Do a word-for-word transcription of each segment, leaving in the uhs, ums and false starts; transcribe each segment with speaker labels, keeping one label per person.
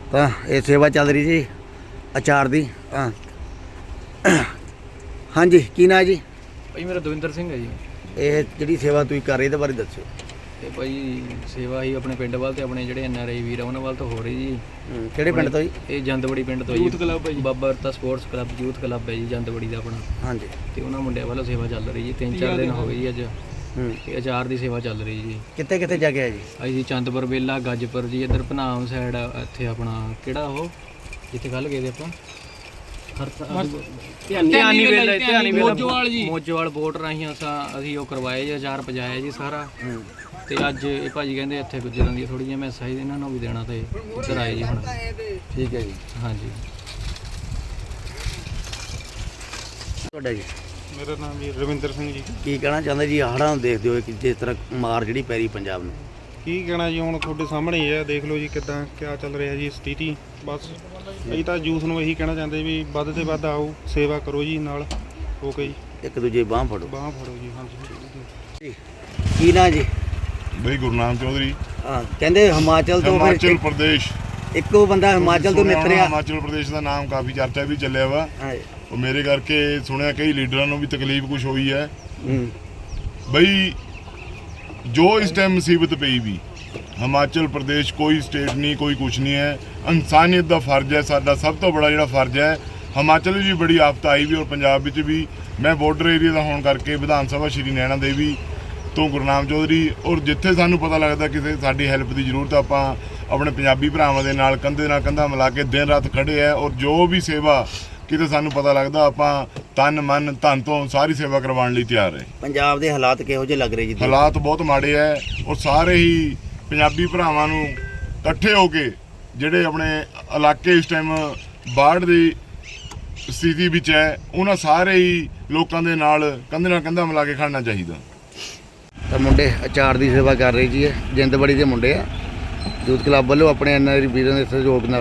Speaker 1: ਤਾਂ ਇਹ ਸੇਵਾ ਚੱਲ ਰਹੀ ਜੀ ਅਚਾਰ ਦੀ। ਤਾਂ ਹਾਂਜੀ, ਕੀ ਨਾਂ ਜੀ?
Speaker 2: ਭਾਈ ਮੇਰਾ ਦਵਿੰਦਰ ਸਿੰਘ ਹੈ ਜੀ।
Speaker 1: ਇਹ ਜਿਹੜੀ ਸੇਵਾ ਤੁਸੀਂ ਕਰ ਰਹੇ ਇਹਦੇ ਬਾਰੇ ਦੱਸਿਓ।
Speaker 2: ਇਹ ਭਾਈ ਸੇਵਾ ਹੀ ਆਪਣੇ ਪਿੰਡ ਵੱਲ ਤੇ ਆਪਣੇ ਜਿਹੜੇ ਐਨ ਆਰ ਆਈ ਵੀਰ ਆ ਉਹਨਾਂ ਵੱਲ ਤੋਂ ਹੋ ਰਹੀ ਜੀ।
Speaker 1: ਕਿਹੜੇ ਪਿੰਡ ਤੋਂ ਜੀ?
Speaker 2: ਇਹ ਜੰਦਵੜੀ ਪਿੰਡ ਤੋਂ ਜੀ। ਯੂਥ ਕਲੱਬ ਹੈ ਜੀ, ਬਾਬਾ ਅਰਤਾ ਸਪੋਰਟਸ ਕਲੱਬ ਯੂਥ ਕਲੱਬ ਹੈ ਜੀ ਜੰਦਵੜੀ ਦਾ ਆਪਣਾ। ਹਾਂਜੀ, ਤੇ ਉਹਨਾਂ ਮੁੰਡਿਆਂ ਵੱਲੋਂ ਸੇਵਾ ਚੱਲ ਰਹੀ ਜੀ। ਤਿੰਨ ਚਾਰ ਦਿਨ ਹੋ ਗਏ ਜੀ ਅੱਜ। ਤੇ ਅਚਾਰ ਦੀ ਸੇਵਾ ਚੱਲ ਰਹੀ ਜੀ। ਕਿੱਥੇ
Speaker 1: ਕਿੱਥੇ ਜਾ ਕੇ ਆ ਜੀ?
Speaker 2: ਅਸੀਂ ਜੀ ਚੰਦਪੁਰ ਵੇਲਾ, ਗੱਜਪੁਰ ਜੀ, ਇੱਧਰ ਭਨਾਮ ਸਾਈਡ, ਇੱਥੇ ਆਪਣਾ ਕਿਹੜਾ ਉਹ ਜਿੱਥੇ ਕੱਲ੍ਹ ਗਏ ਤੇ ਆਪਾਂ ਧਿਆਨੀ ਵੇਲਾ, ਧਿਆਨੀ ਵੇਲਾ ਮੋਜੋਵਾਲ ਬੋਟ ਰਾਹੀਂ ਅਸਾਂ ਅਸੀਂ ਉਹ ਕਰਵਾਏ ਜੀ, ਅਚਾਰ ਪਜਾਇਆ ਜੀ ਸਾਰਾ। ਤੇ ਅੱਜ ਇਹ ਭਾਜੀ ਕਹਿੰਦੇ ਇੱਥੇ ਗੁੱਜਰਾਂ ਦੀ ਥੋੜ੍ਹੀ ਜਿਹੀਆਂ ਮੈਸਾਂ ਇਹਨਾਂ ਨੂੰ ਵੀ ਦੇਣਾ, ਤੇ ਇੱਧਰ ਆਏ ਜੀ ਹੁਣ।
Speaker 1: ਠੀਕ ਹੈ ਜੀ।
Speaker 2: ਹਾਂਜੀ,
Speaker 1: ਤੁਹਾਡਾ ਜੀ?
Speaker 3: ਮੇਰਾ ਨਾਮ ਜੀ ਰਵਿੰਦਰ ਸਿੰਘ ਜੀ।
Speaker 1: ਕੀ ਕਹਿਣਾ ਚਾਹੁੰਦੇ ਜੀ ਹੜ੍ਹਾਂ ਨੂੰ ਦੇਖਦੇ ਹੋਏ ਕਿ ਜਿਸ ਤਰ੍ਹਾਂ ਮਾਰ ਜਿਹੜੀ ਪੈ ਰਹੀ ਪੰਜਾਬ ਨੂੰ?
Speaker 3: ਕੀ ਕਹਿਣਾ ਜੀ, ਹੁਣ ਤੁਹਾਡੇ ਸਾਹਮਣੇ ਹੀ ਹੈ, ਦੇਖ ਲਓ ਜੀ ਕਿੱਦਾਂ ਕਿਆ ਚੱਲ ਰਿਹਾ ਜੀ ਸਥਿਤੀ। ਬਸ ਅਸੀਂ ਤਾਂ ਯੂਥ ਨੂੰ ਇਹੀ ਕਹਿਣਾ ਚਾਹੁੰਦੇ ਵੀ ਵੱਧ ਤੋਂ ਵੱਧ ਆਓ, ਸੇਵਾ ਕਰੋ ਜੀ ਨਾਲ ਹੋ ਕੇ ਜੀ,
Speaker 1: ਇੱਕ ਦੂਜੇ ਬਾਂਹ ਫੜੋ।
Speaker 3: ਬਾਂਹ ਫੜੋ ਜੀ। ਹਾਂਜੀ,
Speaker 1: ਕੀ ਨਾਂ ਜੀ?
Speaker 4: ਬਈ ਗੁਰਨਾਮ ਚੌਧਰੀ।
Speaker 1: ਹਾਂ, ਕਹਿੰਦੇ ਹਿਮਾਚਲ ਤੋਂ
Speaker 4: ਹਿਮਾਚਲ ਪ੍ਰਦੇਸ਼
Speaker 1: ਇੱਕੋ ਬੰਦਾ ਹਿਮਾਚਲ ਤੋਂ ਨਿਤਰਿਆ।
Speaker 4: ਹਿਮਾਚਲ ਪ੍ਰਦੇਸ਼ ਦਾ ਨਾਮ ਕਾਫੀ ਚਰਚਾ ਵੀ ਚੱਲਿਆ ਵਾ। ਉਹ ਮੇਰੇ ਕਰਕੇ ਸੁਣਿਆ ਕਈ ਲੀਡਰਾਂ ਨੂੰ ਵੀ ਤਕਲੀਫ ਕੁਛ ਹੋਈ ਹੈ। ਬਈ ਜੋ ਇਸ ਟਾਈਮ ਮੁਸੀਬਤ ਪਈ ਵੀ, ਹਿਮਾਚਲ ਪ੍ਰਦੇਸ਼ ਕੋਈ ਸਟੇਟ ਨਹੀਂ, ਕੋਈ ਕੁਛ ਨਹੀਂ ਹੈ। ਇਨਸਾਨੀਅਤ ਦਾ ਫਰਜ਼ ਹੈ ਸਾਡਾ, ਸਭ ਤੋਂ ਬੜਾ ਜਿਹੜਾ ਫਰਜ਼ ਹੈ। ਹਿਮਾਚਲ ਵਿੱਚ ਵੀ ਬੜੀ ਆਫਤ ਆਈ ਵੀ, ਔਰ ਪੰਜਾਬ ਵਿੱਚ ਵੀ। ਮੈਂ ਬਾਰਡਰ ਏਰੀਆ ਦਾ ਹੋਣ ਕਰਕੇ ਵਿਧਾਨ ਸਭਾ ਸ਼੍ਰੀ ਨੈਣਾ ਦੇਵੀ ਤੋਂ ਗੁਰਨਾਮ ਚੌਧਰੀ, ਔਰ ਜਿੱਥੇ ਸਾਨੂੰ ਪਤਾ ਲੱਗਦਾ ਕਿਸੇ ਸਾਡੀ ਹੈਲਪ ਦੀ ਜ਼ਰੂਰਤ, ਆਪਾਂ ਆਪਣੇ ਪੰਜਾਬੀ ਭਰਾਵਾਂ ਦੇ ਨਾਲ ਕੰਧੇ ਨਾਲ ਕੰਧਾ ਮਿਲਾ ਕੇ ਦਿਨ ਰਾਤ ਖੜੇ ਹੈ। ਔਰ ਜੋ ਵੀ ਸੇਵਾ ਕਿਤੇ ਸਾਨੂੰ ਪਤਾ ਲੱਗਦਾ, ਆਪਾਂ ਤਨ ਮਨ ਧਨ ਤੋਂ ਸਾਰੀ ਸੇਵਾ ਕਰਵਾਉਣ ਲਈ ਤਿਆਰ ਹੈ।
Speaker 1: ਪੰਜਾਬ ਦੇ ਹਾਲਾਤ ਕਿਹੋ ਜਿਹੇ ਲੱਗ ਰਹੇ ਜੀ?
Speaker 4: ਹਾਲਾਤ ਬਹੁਤ ਮਾੜੇ ਹੈ, ਔਰ ਸਾਰੇ ਹੀ ਪੰਜਾਬੀ ਭਰਾਵਾਂ ਨੂੰ ਇਕੱਠੇ ਹੋ ਕੇ ਜਿਹੜੇ ਆਪਣੇ ਇਲਾਕੇ ਇਸ ਟਾਈਮ ਬਾੜ ਦੀ ਸਥਿਤੀ ਵਿੱਚ ਹੈ, ਉਹਨਾਂ ਸਾਰੇ ਹੀ ਲੋਕਾਂ ਦੇ ਨਾਲ ਕੰਧੇ ਨਾਲ ਕੰਧਾ ਮਿਲਾ ਕੇ ਖੜਨਾ ਚਾਹੀਦਾ।
Speaker 1: ਤਾਂ ਮੁੰਡੇ ਅਚਾਰ ਦੀ ਸੇਵਾ ਕਰ ਰਹੇ ਜੀ। ਇਹ ਜਿੰਦਬੜੀ ਦੇ ਮੁੰਡੇ ਆ, ਯੂਥ ਕਲੱਬ ਵੱਲੋਂ ਆਪਣੇ ਐਨ ਆਰ ਆਈ ਵੀਰਾਂ ਦੇ ਸਹਿਯੋਗ ਨਾਲ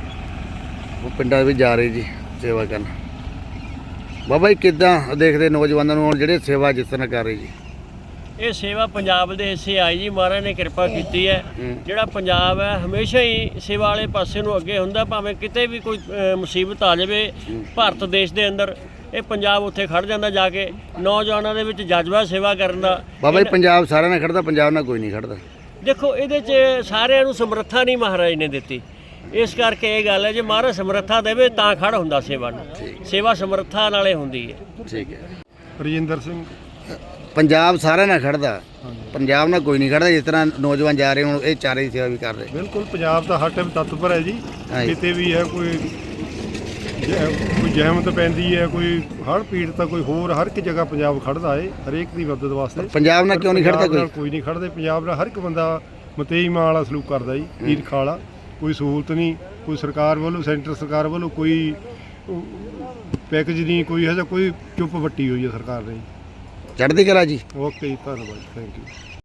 Speaker 1: ਉਹ ਪਿੰਡਾਂ ਵਿੱਚ ਜਾ ਰਹੇ ਜੀ ਸੇਵਾ ਕਰਨ। ਬਾਬਾ ਜੀ ਕਿੱਦਾਂ ਦੇਖਦੇ ਨੌਜਵਾਨਾਂ ਨੂੰ ਹੁਣ ਜਿਹੜੇ ਸੇਵਾ ਜਿਸ ਤਰ੍ਹਾਂ ਕਰ ਰਹੇ ਜੀ?
Speaker 5: ਇਹ ਸੇਵਾ ਪੰਜਾਬ ਦੇ ਹਿੱਸੇ ਆਈ ਜੀ, ਮਹਾਰਾਜ ਨੇ ਕਿਰਪਾ ਕੀਤੀ ਹੈ। ਜਿਹੜਾ ਪੰਜਾਬ ਹੈ ਹਮੇਸ਼ਾ ਹੀ ਸੇਵਾ ਵਾਲੇ ਪਾਸੇ ਨੂੰ ਅੱਗੇ ਹੁੰਦਾ, ਭਾਵੇਂ ਕਿਤੇ ਵੀ ਕੋਈ ਮੁਸੀਬਤ ਆ ਜਾਵੇ ਭਾਰਤ ਦੇਸ਼ ਦੇ ਅੰਦਰ, ਇਹ ਪੰਜਾਬ ਉੱਥੇ ਖੜ ਜਾਂਦਾ ਜਾ ਕੇ। ਨੌਜਵਾਨਾਂ ਦੇ ਵਿੱਚ ਜਜ਼ਬਾ ਸੇਵਾ ਕਰਨ ਦਾ।
Speaker 1: ਬਾਬਾ ਜੀ ਪੰਜਾਬ ਸਾਰਿਆਂ ਨਾਲ ਖੜਦਾ, ਪੰਜਾਬ ਨਾਲ ਕੋਈ ਨਹੀਂ ਖੜਦਾ।
Speaker 5: ਦੇਖੋ ਇਹਦੇ 'ਚ ਸਾਰਿਆਂ ਨੂੰ ਸਮਰੱਥਾ ਨਹੀਂ ਮਹਾਰਾਜ ਨੇ ਦਿੱਤੀ, ਇਸ ਕਰਕੇ ਇਹ ਗੱਲ ਹੈ ਜੇ ਮਹਾਰਾਜ ਸਮਰੱਥਾ ਦੇਵੇ ਤਾਂ ਖੜ ਹੁੰਦਾ ਸੇਵਾ ਨੂੰ। ਸੇਵਾ ਸਮਰੱਥਾ ਨਾਲੇ ਹੁੰਦੀ ਹੈ। ਠੀਕ ਹੈ।
Speaker 3: ਰਜਿੰਦਰ ਸਿੰਘ।
Speaker 1: ਪੰਜਾਬ ਸਾਰਿਆਂ ਨਾਲ ਖੜਦਾ, ਪੰਜਾਬ ਨਾਲ ਕੋਈ ਨਹੀਂ ਖੜਦਾ। ਜਿਸ ਤਰ੍ਹਾਂ ਨੌਜਵਾਨ ਜਾ ਰਹੇ ਹੁਣ ਇਹ ਚਾਰੇ ਦੀ ਸੇਵਾ ਵੀ ਕਰ ਰਹੇ।
Speaker 3: ਬਿਲਕੁਲ, ਪੰਜਾਬ ਦਾ ਹਰ ਟਾਈਮ ਤਤਪਰ ਹੈ ਜੀ। ਕਿਤੇ ਵੀ ਹੈ ਕੋਈ ਕੋਈ ਜ਼ਹਿਮਤ ਪੈਂਦੀ ਹੈ, ਕੋਈ ਹੜ੍ਹ ਪੀੜਤ ਤਾਂ ਕੋਈ ਹੋਰ, ਹਰ ਇੱਕ ਜਗ੍ਹਾ ਪੰਜਾਬ ਖੜਦਾ ਹੈ ਹਰੇਕ ਦੀ ਮਦਦ ਵਾਸਤੇ।
Speaker 1: ਪੰਜਾਬ ਨਾਲ ਕਿਉਂ ਨਹੀਂ ਖੜਦਾ ਕੋਈ?
Speaker 3: ਕੋਈ ਨਹੀਂ ਖੜਦੇ ਪੰਜਾਬ ਨਾਲ। ਹਰ ਇੱਕ ਬੰਦਾ ਮਤੇਈ ਮਾਂ ਵਾਲਾ ਸਲੂਕ ਕਰਦਾ ਜੀ, ਈਰਖਾ ਵਾਲਾ। ਕੋਈ ਸਹੂਲਤ ਨਹੀਂ, ਕੋਈ ਸਰਕਾਰ ਵੱਲੋਂ, ਸੈਂਟਰ ਸਰਕਾਰ ਵੱਲੋਂ ਕੋਈ ਪੈਕੇਜ ਨਹੀਂ, ਕੋਈ ਇਹੋ ਜਿਹਾ ਕੋਈ ਚੁੱਪ ਵੱਟੀ ਹੋਈ ਹੈ ਸਰਕਾਰ ਨੇ।
Speaker 1: ਚੜ੍ਹਦੀ ਕਲਾ ਜੀ।
Speaker 3: ਓਕੇ ਜੀ, ਧੰਨਵਾਦ, ਥੈਂਕ ਯੂ।